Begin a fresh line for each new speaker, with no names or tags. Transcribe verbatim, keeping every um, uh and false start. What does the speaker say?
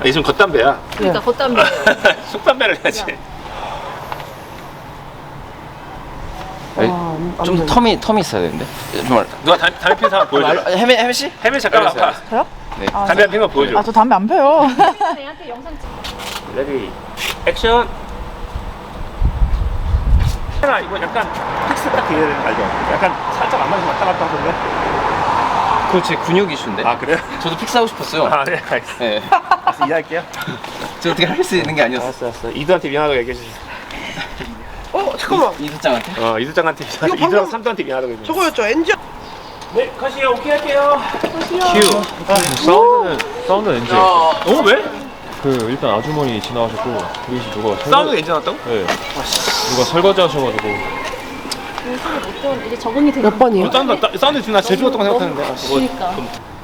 이 지금 겉담배야.
그러니까 겉담배.
속담배를 해야지.
아, 좀 텀이 텀이 있어야 되는데. 정말.
누가 담, 담배 피는 사람 보여줘.
아, 해미 해미 씨?
해밀 잠깐만
알았어요,
봐.
저요?
네.
아,
담배 한 피면 보여줘.
아, 저 담배 안 펴요.
애한테 영상 찍.
레디 액션. 하나 이거 약간 픽스 딱 돼야 되는 거 알죠? 약간 살짝 안 맞으면 왔다 갔다 하던데.
그거 제 근육 이슈인데.
아 그래요?
저도 픽스하고 싶었어요.
아 네 알겠습니다.
네.
알았어 이해할게요.
저 어떻게 할 수 있는 게 아니었어.
알았어 알았어. 이두한테 미안하다고 얘기해 주세요.
어, 잠깐만.
이수장한테?
어 이두장한테 미안하다고.
이거 방금-
이두랑 삼두한테 미안하다고 얘기해.
저거였죠, 엔지.
네 컷이요. 오케이 할게요.
큐. 사운드는 사운드 엔지.
어 왜?
그 일단 아주머니 지나가셨고 그리고 누가 설거-
사운드 괜찮았다고?
네. 누가 설거지 하셔가지고
그 소리 못 들었는데 이제 적응이 되는
몇 번이요?
사운드 사운드 지금 나 제주 같다고 생각하는데. 아, 뭐,
그러니까.
좀